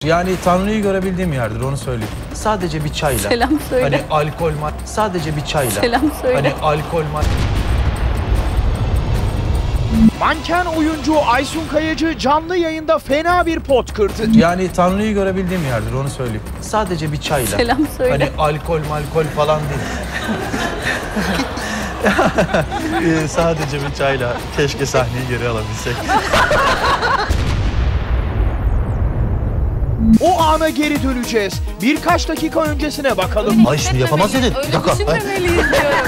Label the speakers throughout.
Speaker 1: Yani Tanrı'yı görebildiğim yerdir, onu söyleyeyim. Sadece bir çayla.
Speaker 2: Selam söyle.
Speaker 1: Hani alkol sadece bir çayla.
Speaker 2: Selam söyle.
Speaker 1: Hani alkol
Speaker 3: Manken oyuncu Aysun Kayacı canlı yayında fena bir pot kırdı.
Speaker 1: Yani Tanrı'yı görebildiğim yerdir, onu söyleyeyim. Sadece bir çayla.
Speaker 2: Selam söyle.
Speaker 1: Hani alkol falan değil. Sadece bir çayla. Keşke sahneyi geri alabilsek.
Speaker 3: O ana geri döneceğiz. Birkaç dakika öncesine bakalım.
Speaker 1: Ay şimdi yapamaz dedin.
Speaker 2: Öyle düşünmemeliyiz diyorum.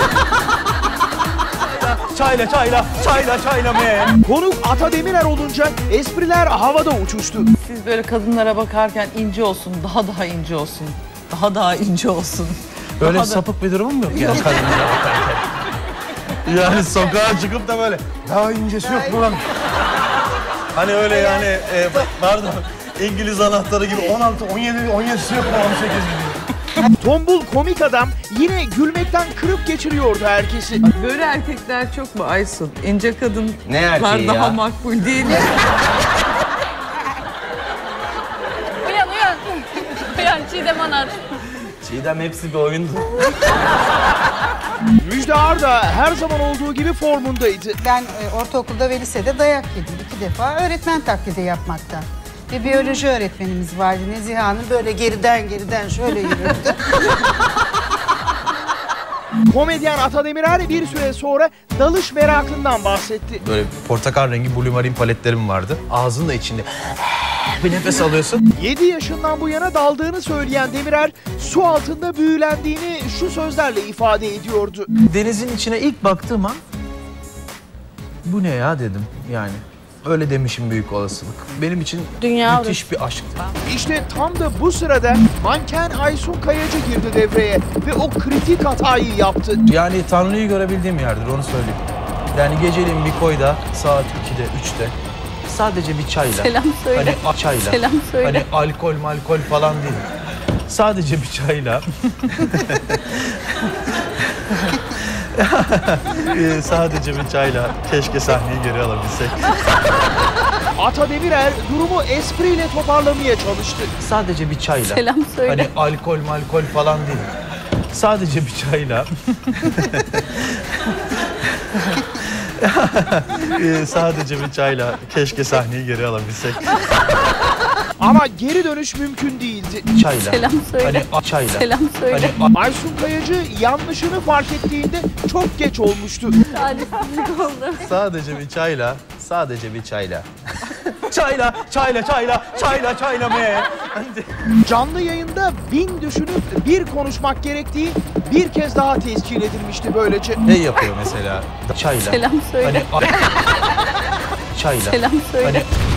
Speaker 1: Çayla me.
Speaker 3: Konuk Ata Demirer olunca espriler havada uçuştu.
Speaker 4: Siz böyle kadınlara bakarken ince olsun, daha ince olsun. Daha ince olsun.
Speaker 1: Böyle
Speaker 4: Daha
Speaker 1: sapık bir durumum yok yani kadınlara bakarken. Yani sokağa çıkıp da böyle daha incesi yok mu lan? Hani öyle yani pardon İngiliz anahtarı gibi 16, 17'si yok mu 18 gibi.
Speaker 3: Tombul komik adam yine gülmekten kırıp geçiriyordu herkesi.
Speaker 4: Böyle erkekler çok mu Aysun? İnce kadınlar
Speaker 1: Ne erkeği
Speaker 4: daha
Speaker 1: ya?
Speaker 4: makbul değil mi?
Speaker 2: Uyan. Uyan Çiğdem Anar.
Speaker 1: Çiğdem hepsi bir oyundu.
Speaker 3: Müjde Arda her zaman olduğu gibi formundaydı.
Speaker 5: Ben ortaokulda ve lisede dayak yedim 2 defa öğretmen taklidi yapmaktan. Bir biyoloji öğretmenimiz vardı Nezihe Hanım, böyle geriden şöyle yürürdü.
Speaker 3: Komedyen Ata Demirer bir süre sonra dalış merakından bahsetti.
Speaker 1: Böyle portakal rengi Blue Marine paletlerim vardı. Ağzın da içinde bir nefes alıyorsun.
Speaker 3: 7 yaşından bu yana daldığını söyleyen Demirer su altında büyülendiğini şu sözlerle ifade ediyordu.
Speaker 1: Denizin içine ilk baktığım an bu ne ya dedim yani. Öyle demişim büyük olasılık. Benim için
Speaker 2: Dünya
Speaker 1: müthiş bir aşktı.
Speaker 3: İşte tam da bu sırada manken Aysun Kayacı girdi devreye ve o kritik hatayı yaptı.
Speaker 1: Yani Tanrı'yı görebildiğim yerdir, onu söyleyeyim. Yani geceliğin bir koyda saat 2'de 3'te sadece bir çayla.
Speaker 2: Selam söyle.
Speaker 1: Hani çayla.
Speaker 2: Selam söyle.
Speaker 1: Hani alkol falan değil. Sadece bir çayla. Sadece bir çayla. Keşke sahneyi geri alabilsek.
Speaker 3: Ata Demirer durumu espriyle toparlamaya çalıştı.
Speaker 1: Sadece bir çayla.
Speaker 2: Selam söyle.
Speaker 1: Hani alkol falan değil. Sadece bir çayla. Sadece bir çayla. Keşke sahneyi geri alabilsek.
Speaker 3: Ama geri dönüş mümkün değildi.
Speaker 1: Çayla.
Speaker 2: Selam söyle.
Speaker 1: Hani çayla.
Speaker 2: Selam söyle.
Speaker 1: Hani
Speaker 3: Aysun Kayacı yanlışını fark ettiğinde çok geç olmuştu.
Speaker 2: Talihsizlik oldu.
Speaker 1: sadece bir çayla. Sadece bir çayla. çayla me.
Speaker 3: Canlı yayında 1000 düşünüp bir konuşmak gerektiği bir kez daha tescil edilmişti böylece.
Speaker 1: Ne yapıyor mesela? Çayla.
Speaker 2: Selam söyle.
Speaker 1: Hani çayla.
Speaker 2: Selam söyle.
Speaker 1: Hani